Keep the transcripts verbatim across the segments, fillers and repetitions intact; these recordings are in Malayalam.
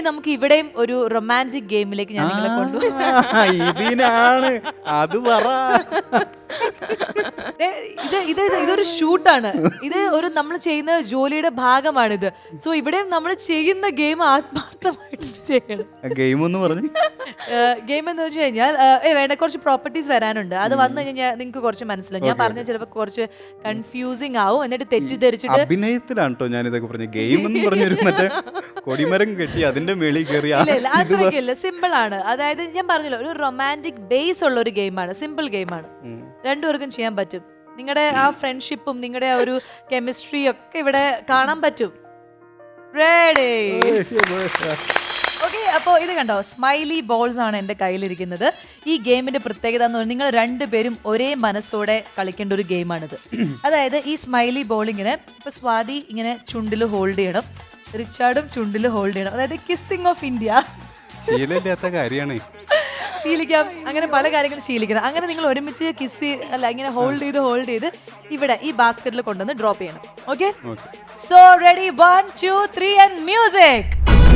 നമുക്ക് ഇവിടെയും ഒരു റൊമാൻറ്റിക് ഗെയിമിലേക്ക് ഞാൻ നിങ്ങളെ കൊണ്ടുപോകും. ഇതിനാണ് അത് പറ. ഇത് ഇത് ഇതൊരു ഷൂട്ടാണ്. ഇത് ഒരു നമ്മൾ ചെയ്യുന്ന ജോലിയുടെ ഭാഗമാണിത്. സോ ഇവിടെയും നമ്മൾ ചെയ്യുന്ന ഗെയിം ആത്മാർത്ഥമായിട്ട് ചെയ്യണം. ഗെയിം എന്ന് പറഞ്ഞു ഗെയിം എന്ന് വെച്ച് കഴിഞ്ഞാൽ ഏ വേണ്ട കുറച്ച് പ്രോപ്പർട്ടീസ് വരാനുണ്ട്. അത് വന്നു കഴിഞ്ഞാൽ നിങ്ങൾക്ക് കുറച്ച് മനസ്സിലാവും. ഞാൻ പറഞ്ഞ ചിലപ്പോൾ കുറച്ച് കൺഫ്യൂസിങ് ആവും, എന്നിട്ട് തെറ്റിദ്ധരിച്ചിട്ട്. അഭിനയത്തിലാണ് കേട്ടോ ഞാൻ ഇതൊക്കെ പറഞ്ഞ ഗെയിം എന്ന് പറഞ്ഞൊരു മറ്റേ കൊടിമരം കെട്ടി അതിന്റെ മേളിൽ കയറി. അത്രയ്ക്കില്ല, സിമ്പിൾ ആണ്. അതായത് ഞാൻ പറഞ്ഞല്ലോ ഒരു റൊമാൻറ്റിക് ബേസ് ഉള്ള ഒരു ഗെയിമാണ്, സിമ്പിൾ ഗെയിമാണ്. രണ്ടുപേർക്കും ചെയ്യാൻ പറ്റും. നിങ്ങളുടെ ആ ഫ്രണ്ട്ഷിപ്പും നിങ്ങളുടെ ആ ഒരു കെമിസ്ട്രിയും ഒക്കെ ഇവിടെ കാണാൻ പറ്റും. റെഡി? ഓക്കെ, അപ്പോൾ ഇത് കണ്ടോ, സ്മൈലി ബോൾസ് ആണ് എൻ്റെ കയ്യിലിരിക്കുന്നത്. ഈ ഗെയിമിന്റെ പ്രത്യേകത എന്ന് പറഞ്ഞാൽ നിങ്ങൾ രണ്ടുപേരും ഒരേ മനസ്സോടെ കളിക്കേണ്ട ഒരു ഗെയിമാണിത്. അതായത് ഈ സ്മൈലി ബോൾ ഇങ്ങനെ ഇപ്പൊ സ്വാതി ഇങ്ങനെ ചുണ്ടിൽ ഹോൾഡ് ചെയ്യണം, റിച്ചാർഡും ചുണ്ടിൽ ഹോൾഡ് ചെയ്യണം. അതായത് കിസ്സിംഗ് ഓഫ് ഇന്ത്യ. ശീലമില്ലാത്ത കാര്യമാണ്. ശീലിക്കാം, അങ്ങനെ പല കാര്യങ്ങളും ശീലിക്കണം. അങ്ങനെ നിങ്ങൾ ഒരുമിച്ച് കിസ് അല്ല ഇങ്ങനെ ഹോൾഡ് ചെയ്ത് ഹോൾഡ് ചെയ്ത് ഇവിടെ ഈ ബാസ്ക്കറ്റിൽ കൊണ്ടുവന്ന് ഡ്രോപ്പ് ചെയ്യണം. Okay, so ready, one two three and music.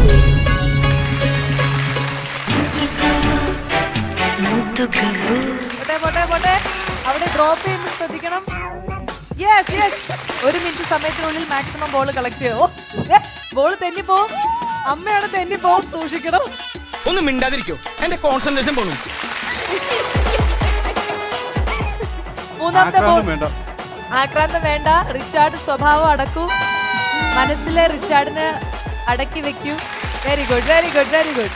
പോട്ടെ പോട്ടെ പോട്ടെ, അവിടെ ഡ്രോപ്പ് ചെയ്യുന്നത് ശ്രദ്ധിക്കണം. യെസ് യെസ്, ഒരു മിനിറ്റ് സമയത്തിനുള്ളിൽ മാക്സിമം ബോൾ കളക്ട് ചെയ്യോ. ബോൾ തെന്നിപ്പോവും, അമ്മയാണ് തെന്നിപ്പോവും, സൂക്ഷിക്കണം. ഒന്ന് മിണ്ടാതിരിക്കോ, എന്റെ കോൺസെൻട്രേഷൻ പോണു. മൂന്നാമത്തെ ബോൾ. ആക്രാന്തം വേണ്ട, റിച്ചാർഡ് സ്വഭാവം അടക്കൂ, മനസ്സിലെ റിച്ചാർഡിന് അടക്കി വെക്കൂ. Very good very good very good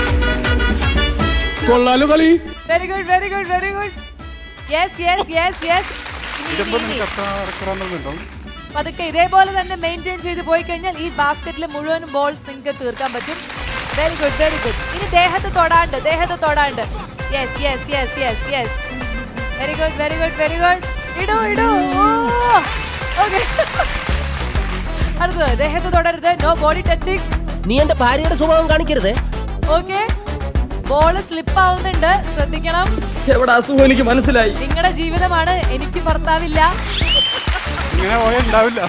very good very good very good. Yes yes yes yes. പതുക്കെ ഇതേപോലെ തന്നെ മെയിൻറ്റെയിൻ ചെയ്ത് പോയി കഴിഞ്ഞാൽ ഈ ബാസ്ക്കറ്റിലെ മുഴുവൻ ബോൾസ് നിങ്ങൾക്ക് തീർക്കാൻ പറ്റും. Very good very good. ഇനി ദേഹത്ത് തൊടാണ്ട്, ദേഹത്ത് തൊടാണ്ട്. Yes yes yes yes yes. Very good very good very good. ഇടൂ ഇടൂ. ഓക്കെ, അടുത്തത് ദേഹത്ത് തൊടരുത്, നോ ബോഡി ടച്ചിങ്. നീ എന്റെ ഭാര്യയുടെ സ്വഭാവം കാണിക്കരുത്. ഓക്കെ, ബോള് സ്ലിപ്പ് ആവുന്നുണ്ട്, ശ്രദ്ധിക്കണം. എവിടെ അസുഖം എനിക്ക് മനസ്സിലായി. നിങ്ങളുടെ ജീവിതമാണ്, എനിക്ക് ഭർത്താവില്ല. ഇങ്ങനെ പോയാൽ ഉണ്ടാവില്ല.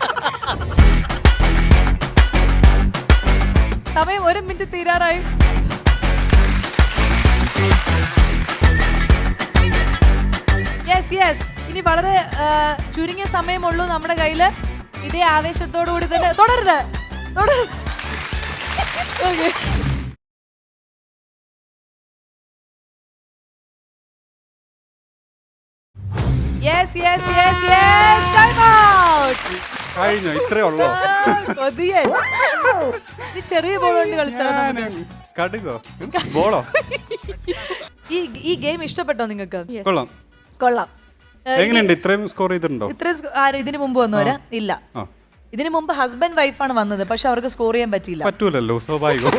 സമയം ഒരു മിനിറ്റ് തീരാറായി. Yes yes. ഇനി വളരെ ചുരുങ്ങിയ സമയമുള്ളൂ നമ്മുടെ കയ്യില്. ഇതേ ആവേശത്തോടു കൂടി തന്നെ തുടരുത് തുടരുത്. Okay, yes yes yes yes. Time out. കഴിഞ്ഞോ? ഇത്രേ ഉള്ളോ? കൊതിയൻ. ഈ ചെറിയ ബോൾ കൊണ്ട് കളിച്ചാലോ? കടുകോ ബോളോ? ഈ ഈ ഗെയിം ഇഷ്ടപ്പെട്ടോ നിങ്ങൾക്ക്? കൊള്ളാം കൊള്ളാം. എങ്ങനെയുണ്ട്? ഇത്രയും സ്കോർ ചെയ്തിട്ടുണ്ടോ? ഇത്ര ആര് ഇതിന് മുമ്പ് വന്നവരാ? ഇല്ല, ഇതിനു മുമ്പ് ഹസ്ബൻഡ് വൈഫാണ് വന്നത്, പക്ഷെ അവർക്ക് സ്കോർ ചെയ്യാൻ പറ്റിയില്ല. പറ്റൂലല്ലോ, സ്വാഭാവികം.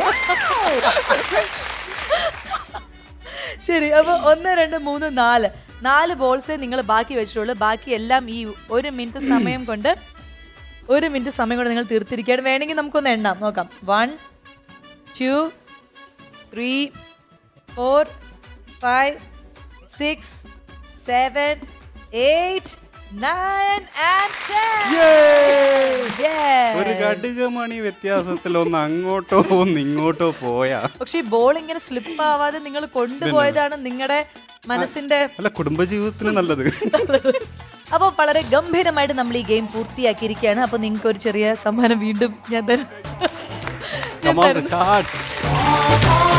ശരി, അപ്പൊ ഒന്ന് രണ്ട് മൂന്ന് നാല് നാല് ബോൾസേ നിങ്ങൾ ബാക്കി വെച്ചിട്ടുള്ളൂ. ബാക്കി എല്ലാം ഈ ഒരു മിനിറ്റ് സമയം കൊണ്ട് ഒരു മിനിറ്റ് സമയം കൊണ്ട് നിങ്ങൾ തീർത്തിരിക്കുകയാണ്. വേണമെങ്കിൽ നമുക്കൊന്ന് എണ്ണാം, നോക്കാം. One two three four five six seven eight nine and ten. ഒരു കടുകമണി വ്യത്യാസത്തിൽ ഒന്ന് അങ്ങോട്ടോ ഒന്ന് ഇങ്ങോട്ടോ പോയാ. പക്ഷെ ഈ ബോൾ ഇങ്ങനെ സ്ലിപ്പ് ആവാതെ നിങ്ങൾ കൊണ്ടുപോയതാണ് നിങ്ങളുടെ മനസ്സിന്റെ അല്ല, കുടുംബജീവിതത്തിന് നല്ലത്. അപ്പൊ വളരെ ഗംഭീരമായിട്ട് നമ്മൾ ഈ ഗെയിം പൂർത്തിയാക്കിയിരിക്കുകയാണ്. അപ്പൊ നിങ്ങൾക്ക് ഒരു ചെറിയ സമ്മാനം വീണ്ടും ഞാൻ തരാം.